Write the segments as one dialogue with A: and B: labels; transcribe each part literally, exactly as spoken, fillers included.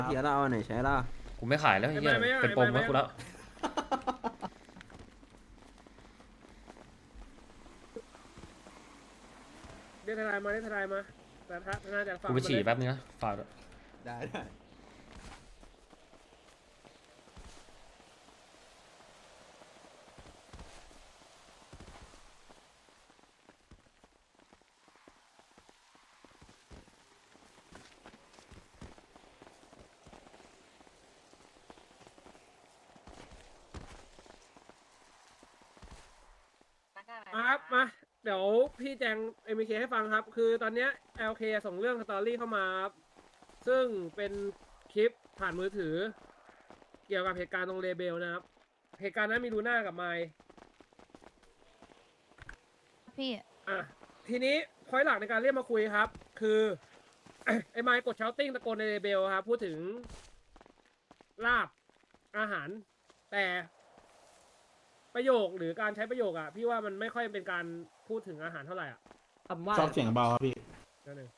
A: เทียร์เราเอาไหนใช้ล่ะ
B: กูไม่ขายแล้วไอ้เหี้ย
C: ไม่ไม่ไม่
B: เป็นปม
C: ไม่
B: แล้วกูแล้ว
C: เรียกทนายมาเรียกทนายมาแต่ถ้าทนายจากฝั่ง
B: กูไปฉี่แป๊บนึงนะฝากด้วย
A: ได้ได้
C: มาครับมาเดี๋ยวพี่แจง เอ็ม เค ให้ฟังครับ คือตอนเนี้ย แอล เค ส่งเรื่องสตอรี่เข้ามาครับซึ่งเป็นคลิปผ่านมือถือ เกี่ยวกับเหตุการณ์ตรงเลเบลนะครับ เหตุการณ์นั้นมีลูน่ากับไมค์
D: พี่
C: อ่ะทีนี้พอยหลักในการเรียกมาคุยครับ คือ ไอ้ไมค์กดเชาติ้งตะโกนในเลเบลครับพูดถึงลาบอาหาร แต่ประโยคหรือการใช้ประโยคอะพี่ว่ามันไม่ค่อยเป็นการพูดถึงอาหารเท่าไหร่อ่ะ
E: คำว่า
F: ชอบเสียงเบาครับพี่
C: นั่นเอง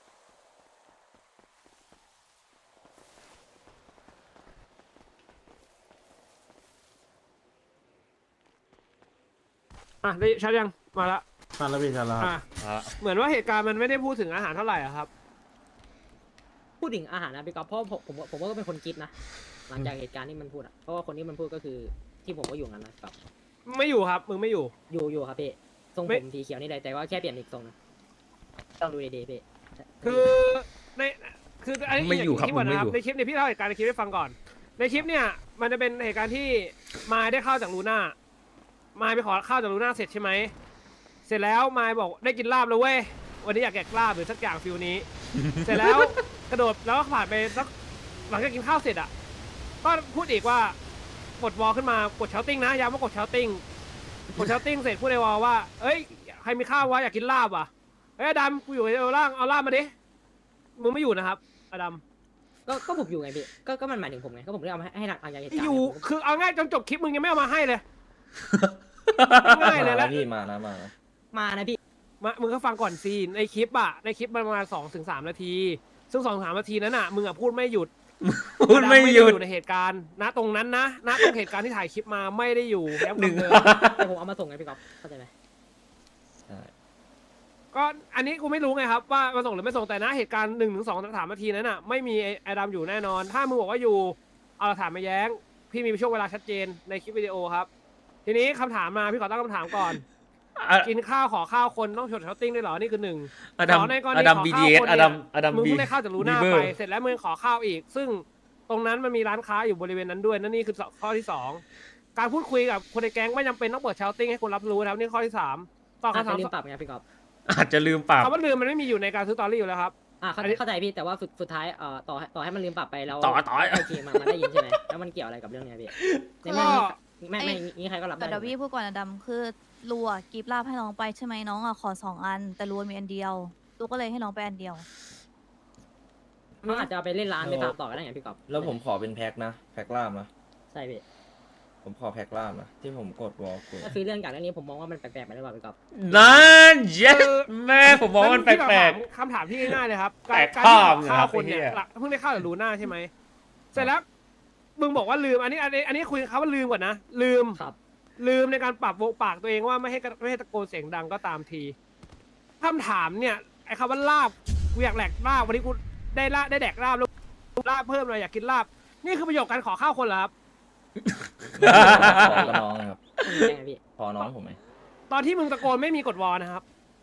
C: อ่ะได้ชัดยังมาละ
F: มาแล้วพี่ชันแล้วครับ
C: อ่ะ
B: เอาละ
C: เหมือนว่าเหตุการณ์มันไม่ได้พูดถึงอาหารเท่าไหร่อะครับ
E: พูดถึงอาหารนะพี่ก๊อฟเพราะผมผมผมก็เป็นคนคิดนะหลังจากเหตุการณ์ที่มันพูดอ่ะเพราะว่าคนที่มันพูดก็คือที่ผมก็อยู่งั้นนะครับ
C: ไม่อยู่ครับมึงไม่อยู่
E: อยู่อยู่ครับพี่ทรง
C: ไม่
E: ผมสีเขียวนี่แหละแต่ว่าแค่เปลี่ยนอีกทรงนะต้องดูดีๆพี่
C: คือในคืออันนี้
B: ไม่อยู่ครับ
C: ในคลิป
B: มึ
C: ก่อน
B: งไม่
C: นะค
B: อ
C: รับ
B: ยู่
C: ในคลิปเนี่ยพี่เล่าเหตุการณ์ในคลิปให้ฟังก่อน ในคลิปเนี่ยมันจะเป็นเหตุการณ์ที่มายได้ข้าวจากลูน่ามายไปขอข้าวจากลูน่าเสร็จใช่ไหมเสร็จแล้วมายบอกได้กินลาบแล้วเว้ยวันนี้อยากแกะลาบหรือสักอย่างฟิลนี้ เสร็จแล้วกระโดดแล้วก็ผ่านไปสักหลังจากกินข้าวเสร็จอ่ะก็พูดอีกว่ากดวอลขึ้นมากดเชาติ้งนะย้ำว่ากดเชาติ้งกดเชาติ้งเสร็จพูดในวอลว่าเอ้ยใครมีข้าววะอยากกินลาบอ่ะเอ้ยอดัมกูอยู่ในล่างเอาลาบมาดิมึงไม่อยู่นะครับอดัม
E: ก็ก็ผมอยู่ไงพี่ก็ก็มันหมายถึงผมไงก็ผมได้เอามาให้ให้หลังจากเหตุการณ์
C: อยู่
E: ผมก็
C: คือเอาง่ายจนจบคลิปมึงยังไม่เอามาให้เลย ง่ายเลยแล้ว
G: พี่มานะมานะ
E: มานะพี่
C: มามึงก็ฟังก่อนซีในคลิปอะในคลิปมันประมาณสองถึงสามนาที ซึ่งสองสามนาทีนั้นอะมึงอะพูดไม่หยุด
B: พูดไม่หยุด
C: อในเหตุการณ์ณตรงนั้นนะณตรงเหตุการณ์ที่ถ่ายคลิปมาไม่ได้อยู่ย้ำ
B: หนึ่ง
C: คำเดิม
E: แต่ผมเอามาส่งไงพี่ก๊อฟเข้าใจไหม
G: ใช่
C: ก็อันนี้กูไม่รู้ไงครับว่ามาส่งหรือไม่ส่งแต่นะเหตุการณ์หนึ่งถึงสองสามนาทีนั้นอะไม่มีไอ้ไอดามอยู่แน่นอน ถ้ามึงบอกว่าอยู่เอาหลักฐานมาแย้ง พี่มีช่วงเวลาชัดเจนในคลิปวิดีโอครับ ทีนี้คำถามมาพี่ขอตั้งคำถามก่อน
B: อะ
C: กินข้าวขอข้าวคนต้องชดเชาติ้งด้วยเหรอนี่คือหนึ่ง
B: อดัม
C: ขในกร
B: อ
C: ณี
B: ดัม
C: ขอ
B: บี
C: ข้า
B: ดี
C: ว
B: เอส
C: คน
B: อ
C: เนี่
B: ดัม
C: ย
B: อดัม
C: มึง
B: บี
C: เพิ่งได้ข้าวจากลูน่า
B: บีเบอ
C: ไป
B: ร์
C: เสร็จแล้วมึงขอข้าวอีก ซึ่งตรงนั้นมันมีร้านค้าอยู่บริเวณนั้นด้วยนั่นนี่คือข้อที่สองการพูดคุยกับคนในแก๊งไม่จำเป็นต้องเปิดเชาติ้งให้คนรับรู้นะครับนี่ข้อที่สามตอบ
E: อาจ
C: คำถา
E: จะ
C: ม
E: ลืมปรับไงพี่ก๊อฟ
B: อาจจะลืมปรับ
C: คำว่าลืมมันไม่มีอยู่ในการซื้อตอรี่อยู่แล้วครับ
E: อ่าเข้า
C: อันนี้
E: เข้าใจพี่แต่ว่าสุดสุดท้ายเอ่อต่อให้ต่อให้มันลืมปรับไปแล้ว
B: ต่อต่อ
E: ไอทีมันมันได้ยินใช่ไหมแล้วมันเกี่ยวอะไรกับเรื่องเนี้ยพี่ในเมื่อมีไม่ไม่มีใครก็รับได้
D: แต่เดี๋ยวพี่พูดก่อนนะดำคือรัวกิฟต์ลาบให้น้องไปใช่ไหมน้องอ่ะขอสองอัน แต่รัวมีอันเดียวลูกก็เลยให้น้องไปอันเดียว
E: เขาอาจจะเอาไปเล่นร้านไปฟาร์มต่อก็ได้ไงพี่ก๊อฟ
G: แล้วผมขอเป็นแพ็คนะ แพ็คล่ามนะ
E: ใช่พี่
G: ผมขอแพ็คล่ามนะ ที่ผมกดวอลกู
E: ถ้าซื้อเรื่องจากเรื่องนี้ผมมองว่ามันแปลกๆไปหรือเปล่าพี่ก๊อฟ
B: นั่นเย็ดแม่ผมมองว่ามันแปลก
C: คำถามที่ง่ายๆเลยครับ
B: แปลก
C: การที่
B: ภาพ
C: ขอข้าวคนเนี่ย
B: นะครับไอ้เหี้ย
C: หลักเพิ่งได้ข้าวจากลูน่าใช่ไหมเสร็จแล้วมึงบอกว่าลืมอันนี้อันนี้อันนี้คุยเขาว่าลืมก่อนนะลืม
E: ครับ
C: ลืมในการปรับวงปากตัวเองว่าไม่ให้กระไม่ให้ตะโกนเสียงดังก็ตามทีคำถามเนี่ยไอ้คำว่าลาบกูอยากแหลกลาบวันนี้กูได้ลาบได้แดกลาบแล้วลาบเพิ่มเลยอยากกินลาบนี่คือประโยคการขอข้าวคนเหรอครับ
G: ขอกับน้องนะครับ
E: ยังไงพี่
G: ขอน้องผมไหม
C: ตอนที่มึงตะโกนไม่มีกดวอนะครับ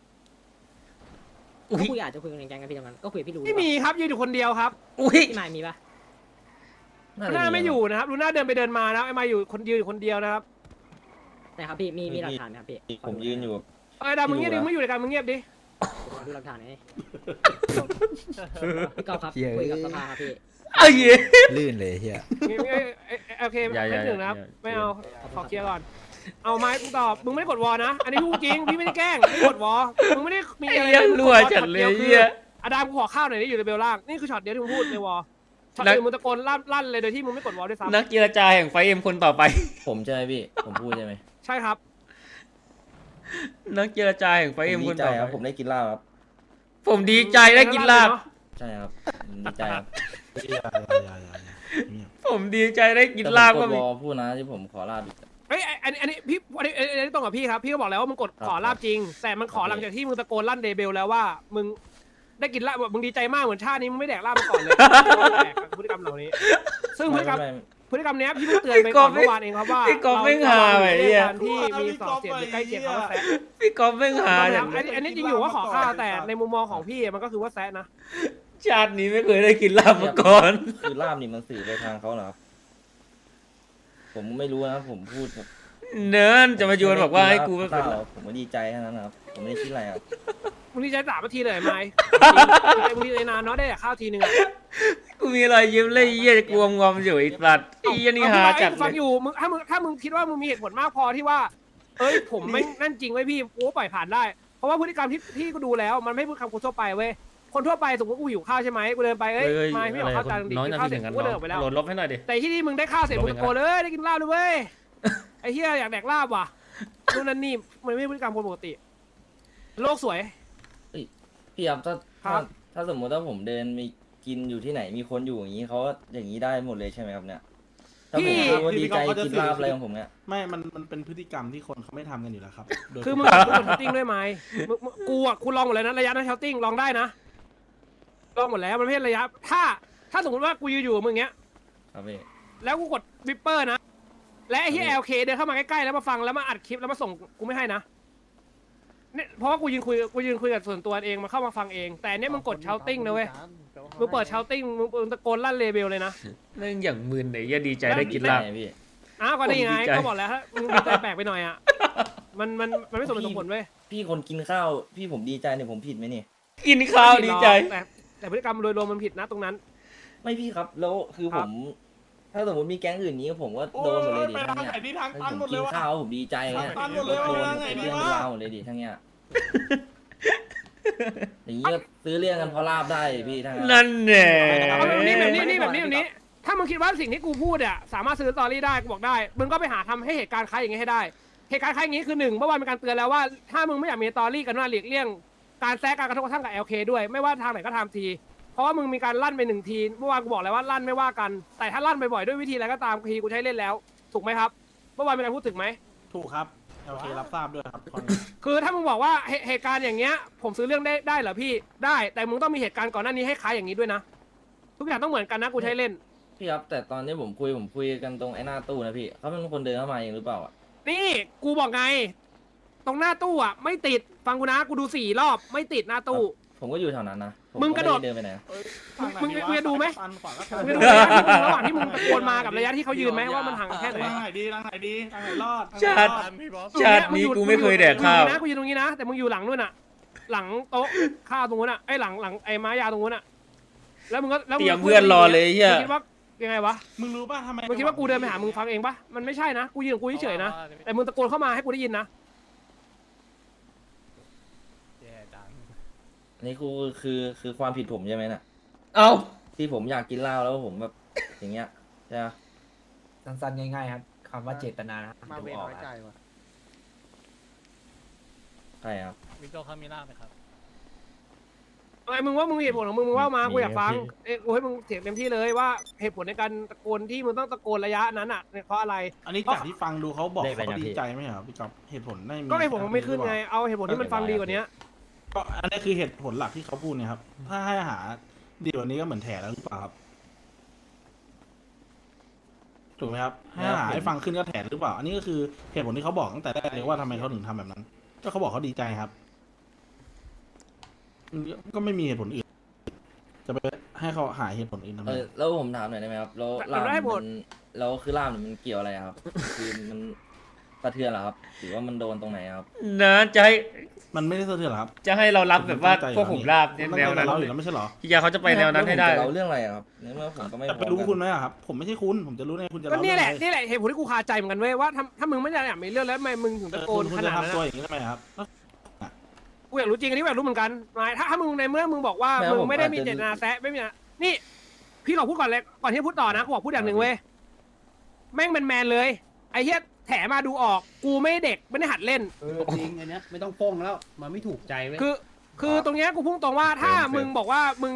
B: อุ๊
E: ก็
B: ย
E: คุยอาจจะคุยกันในแก๊งกันพี่ตรงนั้นก็คุยกับพี่รู้
C: ไม่มีครับยืนอยู่คนเดียวครับ
B: อุ้ย
E: พี่มายมีปะ
C: ลูน่าไม่อยู่นะครับลูน่าเดินไปเดินมานะไอ้มาอยู่คนยืนอยู่คนเดียวนะครับ
E: นะครับพี่มีมีหลักฐานไหมครับพี่
G: ผมยืนอยู่
C: เอ้ยดามึงเงียบดิมึงอยู่ในการมึงเงียบดิ
E: ขอดูหลักฐานหน่อยพี่ก๊อฟครับ
A: เหี้ย
E: คุยกับสภาครับพี่
B: เอ้ย
A: ลื่นเลยเฮีย
C: เงียบเอ้ยเอ้ยเอ้ยโอเค
B: อย่าอย่า
C: ไม่หนึ่งนะครับ
B: อย่า
C: ไม่เอาขอเคลียร์ก่อนเอาไม้กูตอบมึงไม่ได้กดวอนะ อันนี้พูดจริงพี่ไม่ได้แกล้งไม่ได้กดวอมึงไม่ได้มี
B: ไอ้
C: อะไร
B: เหี้ย
C: มึงก
B: รั่ว
C: วอ
B: จัด
C: ช็อ
B: เล
C: ดี
B: ย
C: ว
B: เหี้ย
C: อดัมกูขอข้าวหน่อยนี่อยู่ในเบลล่างนี่คือช็อตเดียวที่มึงพูดในวอช็อต
B: นัก
C: อื่นมึงตะโกนลั่นลั่นเลยโดยที่มึงไม่กดวอด้วยซ้ำ
B: นักเจรจาแห่งไฟเอ็มคนต่อไป
G: ผมใช่ไหมพี่ ผมพูดใช่ไหม
C: ใช่ครับ
B: นักเจรจาแห่งไฟ
G: ผม
B: เอ็ม
G: ดี
B: คน
G: ใจ
B: ต่อ
G: ครับ
B: ไป
G: ผมได้กินลาบครับ
B: ผมดีใจได้กินลาบ
G: ใช่ครับผมดีใจครับ
F: อย่าอย่าอย่าอย่าเงียบ
B: ผมดีใจได้กิน
G: แต่
B: ลาบ
G: ผม
B: ก็
G: กด
B: มี
G: วอลพูดนะที่ผมขอลาบอีก
C: เฮ้ยไอ้อันนี้อันนี้พี่อันนี้อันนี้ตรงกับพี่ครับพี่ก็บอกแล้วว่ามึงกด
G: ครับ
C: ขอลาบจริง แต่มันขอหลังจากที่มึงตะโกนลั่นเดเบลแล้วว่ามึงได้กินลาบแบบมึงดีใจมากเหมือนชาตินี้มึงไม่แดกลาบมาก่อนเลยแดกกับพฤติกรรมเหล่านี้ ซึ่งพฤติกรรม
G: ไม่ไม่
C: พฤติกรรมเนี้ยพี่เพิ่งเตือนไปก่อนเมื่อวานเองครับว่า
B: พี่กอล์ฟไม่หาไอ้เหี้ย
C: การที่มีสองเสียงหรือใกล้เคียงเขาว่าแซะ
B: พี่กอล์ฟไม่หา
C: อั
B: อย่าง
C: นนี้อันนี้จริงอยู่ว่าขอข้าวแต่ในมุมมองของพี่มันก็คือว่าแซะนะ
B: ชาตินี้ไม่เคยได้กินลาบมาก่อน
G: คือลาบนี่มันสื่อไปทางเขาเหรอครับผมไม่รู้นะผมพูดแบบ
B: เนินจะมาโยนบอกว่าให้กู
G: ไม่
B: ไม่
G: ได้
B: เป็น
G: กินลาบผมก็ดีใจแค่นั้นนะครับผมไม่ได้คิดอะไรครับ
C: มึงดีใจสามนาทีเลยไหมมึงดีใจนานเนาะได้แต่ข้าวทีนึงอะ
B: กูมีรอยยิ้มเลยเยี่ยกวงงอมอยู่ไอ้สัตว์ไอ้เยี่ยนี่หาจัด
C: ฟัง
B: เล
C: อย ยู่มึงถ้ามึงถ้ามึงคิดว่ามึงมีเหตุผลมากพอที่ว่า เอ้ยผมไม่นั่นจริงไว้ยพี่กูก็ปล่อยผ่านได้ เพราะว่าพฤติกรรมที่ที่กูดูแล้วมันไม่พูดคำคนทั่วไปเว้ยคนทั่วไปสมมติกูหิวข้าวใช่ไหมกูเดินไปเอ้ย
B: เฮ้ย
C: มาพี่ขอข้าวจานดิ
B: น้อย
C: กิน
B: นา
C: ข้า
B: ที
C: วเสร็
B: ถึ
C: จ
B: งกัน
C: กูก็เดินออกไปแล้ว
B: โหลดลบให้หน่อยดิ
C: แต่ที่นี่มึงได้ข้าวเสร็จมึงตะโกนเลยได้กินลาบเลยเว้ยไอ้เหี้ยอยากแดกลาบว่ะนู่นนั่นนี่มันไม่ใช่พฤติกรรมคนปกติ โลกสวย
G: พี่ครับถ้า
C: ครั
G: ถ้า
C: บ
G: ถ้าสมมติว่าผมเดินมีกินอยู่ที่ไหนมีคนอยู่อย่างนี้เขาอย่างนี้ได้หมดเลยใช่ไหมครับเนี่ยถ้าผมพูดว่าดีใจกินลาบอะไรของผมเนี่ย
F: ไม่มันมันเป็นพฤติกรรมที่คนเขาไม่ทำกันอยู่แล้วครับโดย
C: คือมึงมึงกดเชาติ้งด้วยไหมมึงมึงกูอ่ะกูลองหมดเลยนะระยะนั้นเชาติ้งลองได้นะลองหมดแล้วมันไม่ใช่ระยะ ถ้าถ้าสมมติว่ากูยืนอยู่กับมึงเงี้ย
G: ครับพี่
C: แล้วกูกดวิปเปอร์นะ และไอ้ที่
G: ครับ
C: เอลเคเดินเข้ามาใกล้ๆแล้วมาฟังแล้วมาอัดคลิปแล้วมาส่งกูไม่ให้นะเนี่ยเพราะว่ากูยืนคุยกูยืนคุยกับส่วนตัวเองมาเข้ามาฟังเอง แต่อันเนี้ยมึงกดเชาติ้งนะเว้ยมึงเปิดเชาติ้งมึงมึงตะโกนลั่นเลเบลเลยนะ
B: เรื่องอย่างมึนไอ้เยี่ยดีใจได้กินลาบ
G: ไงพี่
C: อ้าวก็นี่ไง
B: ผมดีใจ
C: ก็บอกแล้วฮะมึงดีใจแปลกไปหน่อยอ่ะมันมันมันไม่สมเหตุสมผลเว้ย
G: พี่คนกินข้าวพี่ผมดีใจเนี่ยผมผิดไหมนี่
B: กินข้าวดีใจ
C: แต่แต่พฤติกรรมโดยรวมมันผิดนะตรงนั้น
G: ไม่พี่ครับแล้วคือ
C: ค
G: ผ
C: รับ
G: ม ถ้าสมมติมีแก๊งอื่นนี้ผมก็โดนหมดเลยดิ
F: ไป
G: ทั้ง
F: ทาง
G: เนี้ย
F: ไหนที่ทาง
G: ให้
F: ตัน
G: ผม
F: หมดเล
G: กิ
F: ย
G: น
F: วะ
G: ข้าวผมดีใจเนี่ย
F: ตันหมด
G: โด
F: เลย
G: น
F: วะ
G: เป็นเรื่อง
F: ไง
G: เป็น
F: วะ
G: ราวหมดเลยดิทั้งเนี้ยอย่างนี้ก็ซื้อเรื่องกันเพราะลาบได้พี่ทั้งนั้น
B: นั่นแหละ
C: เอาแบบนี้แบบนี้นี่แบบนี้แบบนี้ ถ้ามึงคิดว่าสิ่งที่กูพูดอ่ะสามารถซื้อสตอรี่ได้กูบอกได้ มึงก็ไปหาทำให้เหตุการณ์คล้ายอย่างงี้ให้ได้ เหตุการณ์คล้ายอย่างงี้คือหนึ่งเมื่อวานมีการเตือนแล้วว่าถ้ามึงไม่อยากมีสตอรี่กันว่าหลีกเลี่ยงการแซะการกระทบกระทั่งกับ แอล เค ด้วยไม่ว่าทางไหนก็ตามที เพราะว่ามึงมีการลั่นไปหนึ่งทีเมื่อวานกูบอกแล้วว่าลั่นไม่ว่ากัน แต่ถ้าลั่นบ่อยๆด้วยวิธีอะไรก็ตามทีกูใช้เล่นแล้ว ถูกไหมครับเมื่อวานมีการพูดถึงไหม
F: ถูกครับโอเครับทราบด้วยครับ
C: คือถ้ามึงบอกว่าเหเหตุการณ์อย่างเงี้ยผมซื้อเรื่องได้ได้เหรอพี่ได้แต่มึงต้องมีเหตุการณ์ก่อนหน้านี้ให้คล้ายอย่างนี้ด้วยนะทุกอย่างต้องเหมือนกันนะกูใช้เล่น
G: พี่ครับแต่ตอนนี้ผมคุยผมคุยกันตรงไอ้หน้าตู้นะพี่เขาเป็นคนเดินเข้ามาเองหรือเปล่าอ่ะ
C: นี่กูบอกไง ตรงหน้าตู้อ่ะไม่ติดฟังกูนะกูดูสี่รอบไม่ติดหน้าตู้
G: ผมก็อยู่แถวนั้นนะผ
C: มึงกระโดด
G: ไไเดินไปไหนนะ
C: มึงมึงจะดูไหม
F: ตันขวาก็
C: มึงดูระยะที่มึงระหว่างที่มึงตะโกนมากับระยะที่เขายืนไหมว่ามันห่างกันแค่ไหน
F: ทางไหนดีทางไหนดีทางไหนรอด
B: ชาติชาตินี้กูไม่เคยแดกข้าว
C: กูยืนตรงนี้นะกูยืนตรงนี้นะแต่มึงอยู่หลังนู่นอ่ะ หลังโต๊ะข้าวตรงนู้นอ่ะไอ้หลังหลังไอ้ไม้ยาวตรงนู้นอ่ะแล้วมึงก็แล้ว
B: เตรียมเพื่อนรอเลยเหี้ย
C: มึงคิดว่ายังไงวะ
F: มึงรู้ป่ะทำไม
C: มึงคิดว่ากูเดินไปหามึงฟังเองปะมันไม่ใช่นะกูยืนของกูเฉยๆนะแต่มึงตะโกนเข้ามาให้กูได้ยินนะ
G: อันนี่คือคือคือความผิดผมใช่ไหมน่ะ
B: เอ้า
G: ที่ผมอยากกินเหล้าแล้วผมแบบอย่างเงี้ยใช่ไหม
H: สั้นๆง่ายๆครับคำว่าเจตนานะครับ
I: มา
H: ดู
I: เว
H: ออก
I: น้อย
H: ค
I: ใจ
H: รับ
I: ว่ะ
G: ใช่ครับ
I: วิโตคามิล่าไหมครับ
C: ไอ้มึงว่ามึงเหตุผลของมึงมึงว่ามากูอยากฟังเอ้ยกูให้มึงเถียงเต็มที่เลยว่าเหตุผลในการตะโกนที่มึงต้องตะโกนระยะนั้นอ่ะเพราะอะไร
F: อันนี้จากที่ฟังดูเขาบอกเขาดีใจไหมครับพี่ก๊อฟเหตุผลไม่มี
C: ก็เหตุผลมันไม่ขึ้นไงเอาเหตุผลที่มันฟังดีกว่านี้
F: ก็อันนี้คือเหตุผลหลักที่เขาพูดเนี่ยครับ ถ้าให้หาดีกว่านี้ก็เหมือนแถแล้วหรือเปล่าครับถูกไหมครับให้หาให้ฟังขึ้นก็แถหรือเปล่า อันนี้ก็คือเหตุผลที่เขาบอกตั้งแต่แรกเลยว่าทำไมเขาถึงทำแบบนั้น ก็เขาบอกเขาดีใจครับก็ไม่มีเหตุผลอื่น จะไปให้เขาหาเหตุผลอื่นทำไม
G: เออแล้วผมถามหน่อยได้ไหมครับแล้วลาบมันแล้วคือลาบเนี่ยมันเกี่ยวอะไรครับ คือมันสะเทือนเหรอครับหรือว่ามันโดนตรงไหนครับ
B: นะจะให้
F: มันไม่ได้สะเทือนหรอครับ
B: จะให้เรารับแบบว่าพวกผมลาบ
F: มัน
B: แนว
F: ตั้งใจ
B: นั้น
F: เราอยู่แล้วไม่ใช่เหรอ
B: พี่ยาเขาจะไปแนวนั้นให้ได้
G: แล้วผมจะเราเรื่องอะไรอะครับในเมื่อผมก็ไม่
F: แต่ไปรู้คุณไหมอะครับ ผมไม่ใช่คุณ ผมจะรู้ไงคุณจะ
C: ก็
F: เล่า
C: นี่
F: เรื่อง
C: แหละ
F: อะไร
C: นี่แหละเหตุผลที่กูคาใจเหมือนกันเว้ยว่าถ้าถ้ามึงไม่อยากมีเรื่องแล้วทำไมมึงถึง
F: เอ
C: ตะ
F: อ
C: โก
F: คุ
C: น
F: ณคุณ
C: ข
F: จะ
C: นาดนั้น
F: ทำตัว
C: อะ
F: อย่างนี้ทำไมครับ
C: กูอยากรู้จริงอันนี้กูอยากรู้เหมือนกันนายถ้าถ้ามึงในเมื่อมึงบอกว่ามึงไม่ได้มีเจตนาแซะไม่มีนะนี่ พี่ขอพูดก่อนเลยก่อนที่จะพูดต่อนะกูขอพูดอย่างหนึ่งเว้ยแม่งเป็นแมนเลยไอ้เหี้ยแถมาดูออกกูไม่เด็กไม่ได้หัดเล่น
H: เออจริงอันเนี้ยไม่ต้องโป้งแล้วมันไม่ถูกใจเว้ย
C: คือคือตรงเนี้ยกูพุ่งตรงว่าถ้ามึงบอกว่ามึง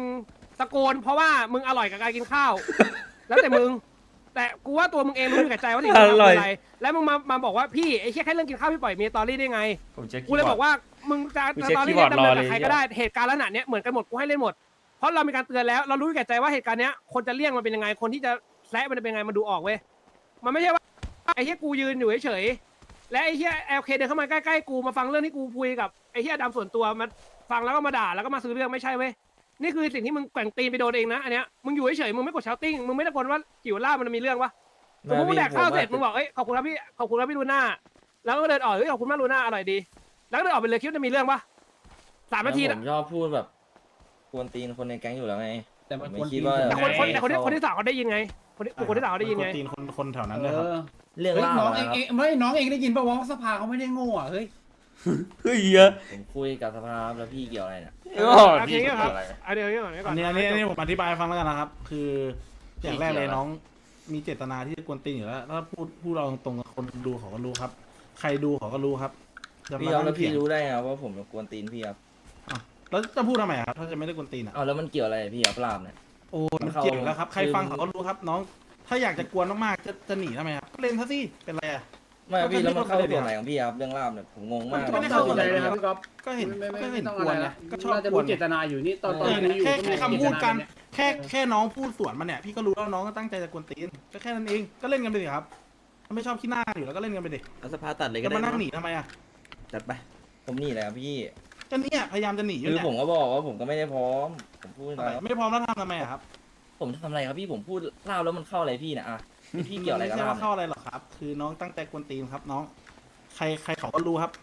C: ตะโกนเพราะว่ามึงอร่อยกับการกินข้าว แล้วแต่มึง แต่กูว่าตัวมึงเองรู้อยู่กับใจว่าสิ่งที่มึงทำคืออะไรแล้วมึงมามาบอกว่าพี่ไอ้แค่แค่เรื่องกินข้าวพี่ปล่อยมีตอรี่ได้ไง
B: ผมเช็ค
C: กูเลยบอกว่ามึงจะ
B: กู
C: จะ
B: เช็ค
C: ตอรี่
B: คีย์บอร์ด
C: ดำเนิน
B: รอเล
C: กับ
B: ย
C: ใครก็ได้เหตุการณ์ลักษณะเนี้ยเหมือนกันหมดกูให้เล่นหมดเพราะเรามีการเตือนแล้วเรารู้อยู่แก่ใจว่าเหตุการณ์เนี้ยคนจะเลี่ยงมันเป็นยังไงคนที่จะแซะมันจะเป็นยังไงมันดูออกเว้ยมันไม่ใช่ว่าไอ้เหี้ยกูยืนอยู่เฉยๆและไอ้เหี้ยแอลเคเดินเข้ามาใกล้ๆกูมาฟังเรื่องที่กูคุยกับไอ้เหี้ยดำส่วนตัวมาฟังแล้วก็มาด่าแล้วก็มาซื้อเรื่องไม่ใช่เว้ยนี่คือสิ่งที่มึงแกว่งตีนไปโดนเองนะอันเนี้ยมึงอยู่เฉยๆมึงไม่กดเชาติ้งมึงไม่ตะโกนว่าจิ๋วล่ามันมีเรื่องวะสมมติมึงแดกข้าวเสร็จมึงบอกเอ้ยขอบคุณครับพี่ขอบคุณครับพี่ลูน่าแล้วก็เดินออกเฮ้ยขอบคุณมากลูน่าอร่อยดีแล้วก็เดินออกไปเลยคิดว่าจะมีเรื่องปะสามนาที
G: ผ
C: นะ
G: มชอบพูดแบบกวนตีนคนในแก๊งอยู่แล้วไง
H: แต่มัน
G: ผม
H: ควร
G: ไม่คิดว่า
C: แต่คนคนแต่คนที่
G: เขา
C: คนที่สามเขาได้ยินไงคนที่คนที่สามเขาได้ยินไง
F: ตีนคนคนแถวนั้น
H: เอ
F: เลยครับ
H: อ
G: เรื่อง
H: เฮ้ย
G: เล่า
H: น้อง
G: นะ
H: เอง
G: ครับ
H: เองไม่น้องเองได้ยินป่าวว่าสภาเขาไม่ได้โง่อ่ะเฮ้ย
B: เฮ้ยเยอะ
G: ผมคุยกับสภาแล้วพี่เกี่ยวอะไรเนี่ย
B: โอ้
C: โอเค
B: ดี
C: ครับ
G: อะไร
C: อันเดียวก่อนก่อ
F: อั
C: น
F: นนี้อันนี้อันนี้ผมอธิบายให้ฟังแล้วกันนะครับ คืออย่างแรกเลยน้องมีเจตนาที่จะกวนตีนอยู่แล้วถ้าพูดพูดเราตรงๆกับคนดูเขาก็รู้ครับ ใครดูเขาก็รู้ครับจะ
G: พี่
F: มา
G: เอา
F: นั่
G: แล้ว
F: ง
G: พี่
F: เถียง
G: รู้ได้ไงว่าผมกวนตีนพี่ครับ
F: อ่ะแล้วจะพูดทำไมครับถ้าจะไม่ได้กวนตีนอ่ะ
G: เอาแล้วมันเกี่ยวอะไรพี่อัปลาบเนี่ย
F: โอ้มันเกี่ยวอยู่แล้วครับใครฟังเขาก็รู้ครับ น้อง ถ้าอยากจะกวนมากๆจะจะหนีทำไมครับก็เล่นซะสิเป็นไรอ่ะ
G: ไม่พี่
F: ก็
G: แล้วมันเข้า
F: ไม่ได้
G: ส่วนไหนของพี่ครับเรื่องลาบเนี่ยผมงงมาก
F: มันก็ไม่ได้เข้าส่วนไหน
H: เลยครับพี่ก๊อฟ
F: ก็เห็น
H: ไม่ไม่
F: ก็
H: ไม่
F: เห็น
H: ต้อง
F: ก
H: อะ
F: วน
H: ไร
F: ไง
H: นะ
F: ก็ชอบ
H: น่าจะ
F: กว
H: รู้
F: น
H: เจตนาอยู่นี่ตอนตอน
F: เออ
H: นี้อยู่
F: แค่
H: ก็
F: แค่
H: ไม่
F: คำพูดกัน
H: เจตาเย
F: แค่แค่น้องพูดสวนมันเนี่ยพี่ก็รู้แล้วน้องก็ตั้งใจจะกวนตีนก็แค่นั้นเองก็เล่นกันไปดิครับถ้าไม่ชอบขี้หน้าอยู่แล้วก็เล่นกันไปดิ
A: เอาสภาตัดเลยก็
F: จะ
A: ได้
F: มานั่งหนี
A: เนอะ
F: ทำไมอ่ะ
A: จัดไป
G: ผมหนี่แหละครับพี่
F: ก็เนี่ยพยายามจะหนีอยู่
G: คือ
F: เนี่ย
G: ผมก็บอกว่าผมก็ไม่ได้พร้อม ผมพูด
F: อะไร
G: แล้ว
F: ไม่พร้อมแล้วทำทำไมอะครับ
G: ผมทำอะไรครับพี่ผมพูดลาบแล้วมันเข้าอะไรพี่เนี่ยอ่ะพี่เกี่ยวอะไรกับ
F: ไม่ใช่
G: ลาบ
F: ว่า
G: เนี่
F: เข้าย อะไรหรอกครับ คือน้องตั้งใจกวนตีนครับน้องใครใครเขาก็รู้ครับ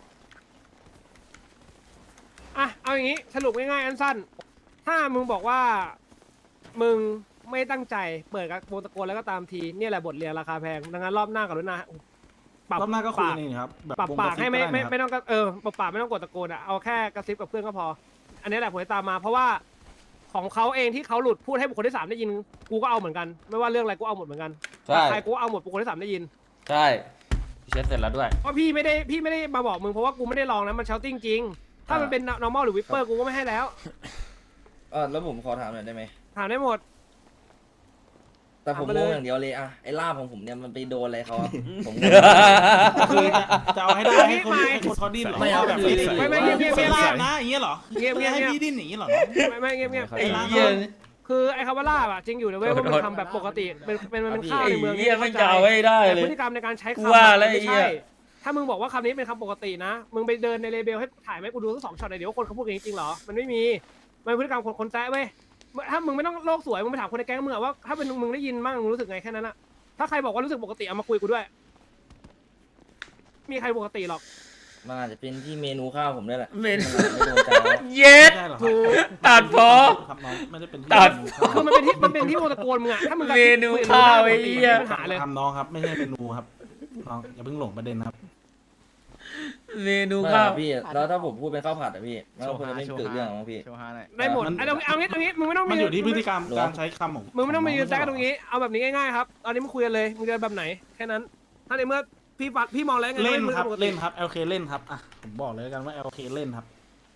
C: อ่ะเอาอย่างนี้สรุปง่ายๆอันสั้นถ้ามึงบอกว่ามึงไม่ตั้งใจเปิดกับโมตะโกนแล้วก็ตามทีเนี่ยแหละบทเรียนราคาแพงดังนั้นรอบหน้ากับรุ่นหน้าปรับ
F: รอบหน้าก็คุย
C: ป
F: กันเองครับแบบ
C: ปรับ
F: วง
C: ปาก
F: ระซิ
C: ให้ไม่
F: ด้
C: ไม่
F: นะครับ
C: ไม่ต้องก็เออปรับปากไม่ต้องกดตะโกนอ่ะเอาแค่กระซิบกับเพื่อนก็พอ อันนี้แหละผมจะตามมาเพราะว่าของเขาเองที่เขาหลุดพูดให้บุคคลที่สามได้ยินกูก็เอาเหมือนกันไม่ว่าเรื่องอะไรกูเอาหมดเหมือนกัน
B: ใช่
C: ใครกูเอาหมดบุคคลที่สามได้ยิน
B: ใช่เช็ดเสร็จแล้วด้วย
C: เพราะพี่ไม่ได้พี่ไม่ได้มาบอกมึงเพราะว่ากูไม่ได้ลองนะมันเชาติ้งจริง ถ้ามันเป็น normal หรือ whisper กูก็ไม่ให้แล้ว
G: เออแล้วผมขอถามหน่อยได้ไหม
C: ถามได้หมด
G: แต่ผม
C: ถามมาเลย
G: งงอย่างเดียวเลยอะไอ้ลาบของผมเนี่ยมันไปโดนอะไรเขาอะผมงง
F: คือจะจะเอาให้ได้ให้คนให้คนเขาดิ้นเหรอ
G: ไม่เอา
F: แบบ
G: คือ
C: ไม่ไม่เงียบเงียบ
F: เว
C: เงียบ
F: ลานะอย่างเงี้ยเหรอ
C: เงียบเงียบ
F: ให้
C: เงียบ
F: พี่ดิ้นหนีเหรอ
C: ไม่ไม่เงียบเงียบ
B: ไอ้เหี้ย
C: คือไอ้คำว่าล่าอะจริงอยู่นะเว้ยว่ามันทำแบบปกติเป็นเป็นมันเป็นข้าว
B: ไอ้
C: ในเมือง
B: เหี้ยไม่จะเอาให้ได้
C: แต่
B: เล
C: พ
B: ย
C: ฤติกรรมในการใช้
B: กู
C: คำ
B: ว่า
C: อะ
B: แล้ว
C: ไม่
B: ไอ้เหี้
C: ใช่
B: ย
C: ถ้ามึงบอกว่าคำนี้เป็นคำปกตินะ มึงไปเดินในเลเบลให้ถ่ายไหมกูดูทั้งสองช็อตเลยเดี๋ยวว่าคนเขาพูดกันจริงๆเหรอมันไม่มีมันเป็นพฤติกรรมคนคนแซะเว้ยถ้ามึงไม่ต้องโลกสวยมึงไปถามคนในแก๊งมึงอะว่าถ้าเป็นมึงได้ยินมั่งมึงรู้สึกไงแค่นั้นอะถ้าใครบอกว่ารู้สึกปกติเอามาคุยกูด้วย มีใครปกติหรอก
G: มันอาจจะเป็นที่เมนูข้าวผมด้วยแหละ
B: เมนู
G: ไม่โดนใจแล้ว
B: เย็ด
F: ไม่ใช่เหรอ
C: ถูก
B: ตัดพอ
F: ครับน้องไม่ได้เป็นที่
B: ตัด
C: คือมันเป็นที่มันเป็นที่โมตะโกนมึงอะถ้ามึงกระ
B: เม
C: ซิบ
B: นู
C: คุย
B: ข้าว
C: ปก
B: ไอ้
C: ติ
B: เหี้ย
C: ไม่มีปัญหาเลย
F: ทำน้องครับไม่ใช่เมนูครับน้องอย่าเพิ่งหลงประเด็นครับ
B: เมนู
G: ไม่
B: ข้าว
G: อะพี่แล้วถ้าผมพูดเป็นข้าวผัดอะพี่มันก็คงจะไม่เกิดเรื่องหรอกมั้งพี่
C: ได้หมด
F: มัน
C: ไอ้ตรงเอางี้ตรงนี้มึงไม่ต้อง
F: มันอยู่ที่พฤติ
C: ก
F: กรรมการใช้คำของ
C: มึงไม่ต้องมายืน
F: ข
C: แซะกันตรงนี้เอาแบบนี้ง่ายๆครับตอนนี้มึงคุยกันเลยมึงจะแบบไหนแค่นั้นถ้าในเมื่อพี่ฟัดพี่มองแล้วไง
F: เล่น
C: ว่ามึง
F: ครับ
C: ปกติ
F: เล่นครับ แอล เค เล่นครับอ่ะผมบอกเลยแล้วกันว่า แอล เค เล่นครับ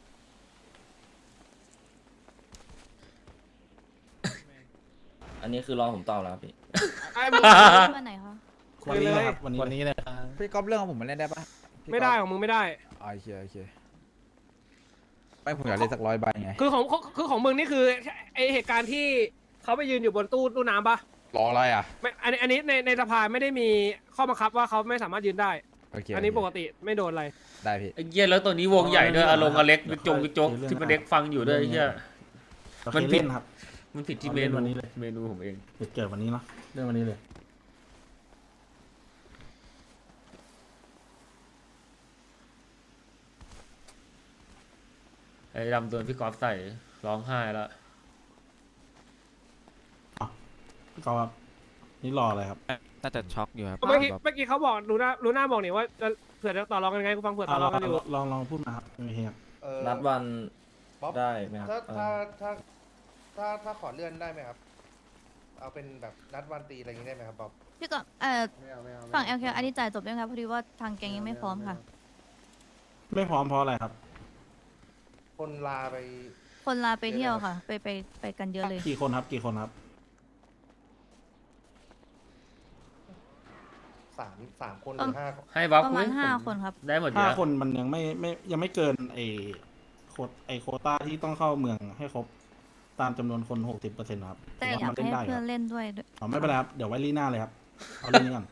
G: อันนี้คือรอผมตอบแล้วครับพี่
C: ไอ้มึง
D: วันไหนคะ
C: คุย
F: วันนี้
C: เลย
F: นะครับวันนี้
A: วันนี้เลยพี่ก๊อฟเรื่องของผมมาเล่นได้ปะพี่ก๊อฟ
C: ไม่ได้ของมึงไม่ได้
A: อ๋อโอเคโอเคไม่ผมอยากเล่นสักร้อยใบไง
C: คือของคือของมึงนี่คือไอเหตุการณ์ที่เขาไปยืนอยู่บนตู้ตู้น้ำปะ
A: รออะไรอ่ะ
C: ไม่อันนี้อันนี้ในในสภาไม่ได้มีข้อบังคับว่าเขาไม่สามารถยืนได้
A: โอเค
C: อันนี้
A: โเค
C: ปกติไม่โดนอะไร
A: ได้พี่
B: ไอ้เหี้ยแล้วตัวนี้วงใหญ่ด้วยอารมณ์อเล็กจงกระจกที่มันเล็กฟังอยู่ด้วยไอ้เหี้ย
F: แอล
B: มั
F: เคน
B: ผิด
F: เล่นครับ
B: มันผิดที่
F: เอา
B: เม
F: เล่น
B: นู
F: วันนี้เลย
B: เมนูผมเอง
F: เกิดเกิดวันนี้เนาะเรื่องวันนี้เลย
B: ไอ้ดำโดนพี่กอล์ฟใส่ร้องไห้แล้ว
F: ก็ครับนี่รออะไรครับ
A: น่าจะช็อกอยู่ครับ
C: เมื่อกี้เมื่อกี้เขาบอกลูน่าลูน่าบอกนี่ว่าจะเผื่อจะต่อรองกันไงกูฟังเผื่อต่
F: อ่ะ
C: อ
F: ล
C: ร
F: อ
C: อง งกันอยู่
F: ลองลองพูดมาครับโอเคครับ
I: เอ่อ
G: นัดวัน
I: บ๊อบ
G: ได้ไหมครับ
I: ถ้า
G: เอ
I: ถ้า
G: อ
I: ถ้าถ้าถ้าขอเลื่อนได้ไหมครับ เอาเป็นแบบนัดวันตีอะไรอย่างนี้ได้ไหมครับบ๊อบ
D: พี่ก็เอ่อ
I: ไม่เอาไม่เอา
D: ฝั่ง แอล เค อันนี้จ่ายจบยังครับพอดีว่าทางแกงยังไม่พร้อมค่ะ
F: ไม่พร้อมเพราะอะไรครับ
I: คนลาไป
D: คคนลาไปเที่ยวค่ะ ไปไปไปกันเยอะเลย
F: กี่คนครับกี่คนครับ
I: สามสามคนหรือห้าคน
B: ให้บัฟ
D: ประมาณห้าคนครับ
B: ได้หมดอยู่
F: ห้า
B: แล้ว
F: คนมันยังไม่ไม่ยังไม่เกินไอโคตไอโควต้าที่ต้องเข้าเมืองให้ครบตามจำนวนคนหกสิบเปอร์เซ็นต์ครับ
D: แต่
F: ผม
D: อยาก
F: ว่ามันเล่น
D: ให้
F: ได้ค
D: เพื่อ
F: รั
D: น
F: บ
D: เล่นด้วยด้วย
F: อ๋อไม่เป็นไรครับเดี๋ยวไว้ลีหน้าเลยครับเอาเรื่องนี้ก่อน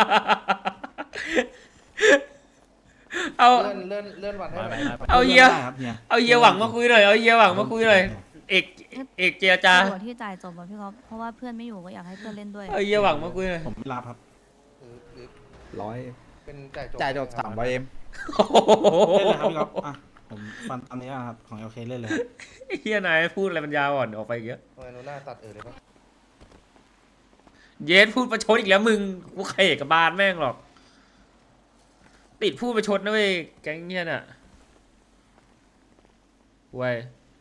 B: เอา
I: เลื่อนเลื่อนเลื่อนวันให้หน่อย
B: เอาเฮีย
F: ได้ครับเฮีย
B: เอาเฮียหวังมาคุยหน่อยเอาเฮียหวังมาคุยหน่อยเอกเอกเจรจา
D: ส่วนที่จ่ายจบอะพี่ก๊อฟเพราะว่าเพื่อนไม่อยู่ก็อยากให้เพื่อนเล่นด้วย
B: เอาเฮียหวังมาคุยหน่อย
F: ผมไม่รับครับ
I: หรือหรือ
A: ร้อย
I: เป็นจ่ายจบ
A: จ่ายจบสามร้อยเอ็ม
B: โอ้โห
F: เล่นเลยครับพี่ก๊อฟอ่ะผมฟันตามนี้นะครับของเอลเคเล่นเลยครับ
B: เฮียนายพูดอะไรมันยาวอ่อนออกไปเยอะ
I: ทำไมโนน่าตัดเออเลยปะ
B: เยสพูดประชดอีกแล้วมึงกูเขกกับบานแม่งหรอก ติดพูดประชดนะเว้ยแก๊งเนี้ยน่ะเว้ย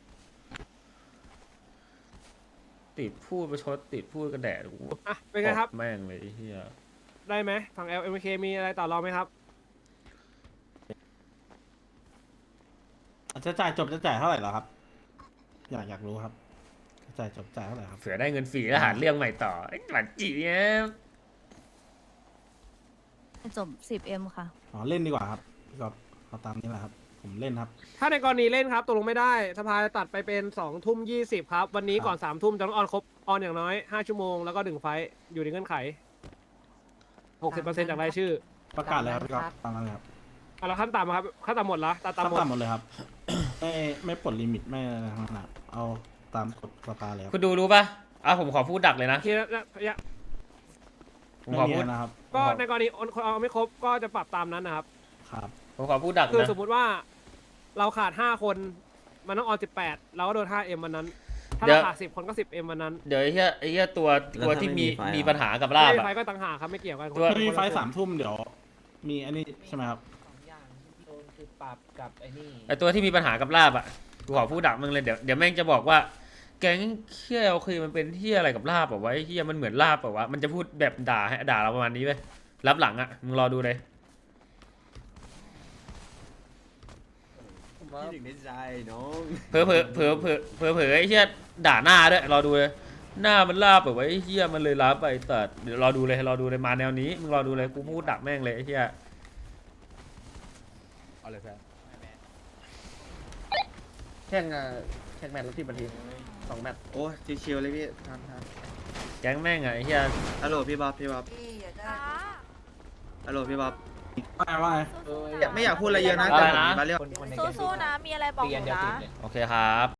B: ติดพูดประชดติดพูดกระแดดกู
C: อ่ะเป็นไงครับ
B: ตแม่งเลยไอ้เฮีย
C: ได้ไหมฝั่ง แอล เอ็ม เค มีอะไรต่อรองไหมครับ
F: จะจ่ายจบจะจ่ายเท่าไหร่เหรอครับ อยากอยากรู้ครับจะจ่ายจบจ่ายเท่าไหร่ครับ
B: เผื่อได้เงินฟรีแล้วหาเรื่องใหม่ต่อไอ้หลันจีเนี่ย
D: จบ สิบเอ็ม ค่ะ
F: อ๋อเล่นดีกว่าครับพี่ก๊อฟเอาตามนี้แหละครับ ผมเล่นครับ
C: ถ้าในกรณีเล่นครับตกลงไม่ได้สภาจะตัดไปเป็นสองทุ่มยี่สิบครับ วันนี้ก่อนสามทุ่มจะต้องออนครบออนอย่างน้อยห้าชั่วโมงแล้วก็หนึ่งไฟท์อยู่ในเงื่อนไขหกสิบเปอร์เซ็นต์จากรายชื่อ
F: ประกาศเลยครับพี่ก๊อฟตามนั้นเลยครับ
C: อ่ะแล้วขั้นต่ำครับขั้นต่ำหมดละตาต่ำหมด
F: ตามหมดเลยครับ ไม่ไม่ปลดลิมิตไม่อะไรทั้งนั้นอะเอาตามกฎสภาเลยครับ
B: คุณดูรู้ป่ะอ่ะผมขอพูดดักเลยนะ
C: ทีละระยะ
B: ผม
F: ไม่
B: ขอ
F: มี
B: พูด
F: อะไรนะครับ
C: ก็ในกรณีคนเอาไม่ครบก็จะปรับตามนั้นนะครับ
F: ครับ
B: ผมขอพูดดัก
C: คือ
B: นะ
C: สมมุติว่าเราขาดห้าคนมันต้องออนสิบแปดเราก็โดนห้าเอ็มวันนั้น ถ้าเราขาดสิบคนก็สิบเอ็มวันนั้น
B: เดี๋ยวไอ้เหี้ยไอ้เหี้ยตัวตัวที่มีมีปัญหากับลาบ
C: ไม่
B: อะ
C: ไฟก็ต่างหากครับไม่เกี่ยวกัน
B: ตัว
F: ถ้ามีไฟล์สามทุ่มเดี๋ยว มีอันนี้ใช่ไหมครับ
E: อย่างที่โดนคือปรับกับไอ้นี่
B: ไอ้ตัวที่มีปัญหากับลาบอะกูขอพูดดักมึงเลยเดี๋ยวเดี๋ยวแม่งจะบอกว่า แก๊งเฮียโอเคมันเป็นเฮียอะไรกับลาบแบบว่าเฮียมันเหมือนลาบแบบว่ามันจะพูดแบบด่าให้ด่าเราประมาณนี้เว้ยรับหลังอะมึงรอดูเลย
A: คิดถึงในใจน้อง
B: เผลอเผลอเผลอเผลอเผลอเผลอไอ้เฮียด่าหน้าด้วยรอดูเลยหน้ามันลาบแบบว่าไอ้เฮียมันเลยลาบไปแต่เดี๋ยวรอดูเลยรอดูเลยมาแนวนี้มึงรอดูเลยกูพูดดักแม่งเลยไอ้เฮีย
A: เอาเลยเพื่อน
E: แข่งอ่ะแข่งแมตช์ละสิบนาทีสองแมตช์
A: โอ้ชิวๆเลยพี่ทันทัน
B: แก๊งแม่งอะไอ้เฮีย
A: ฮัลโหลพี่บ๊อบพี่บ๊อบฮัลโหลพี่บ๊อบ
F: ว่าว่าไง
A: อยากไม่อยากพูดอะไรเยอะนะแต่ผมมีมาเรื่อง
J: สู้ๆนะ มีอะไรบอกหนูนะ
B: โอเคครับ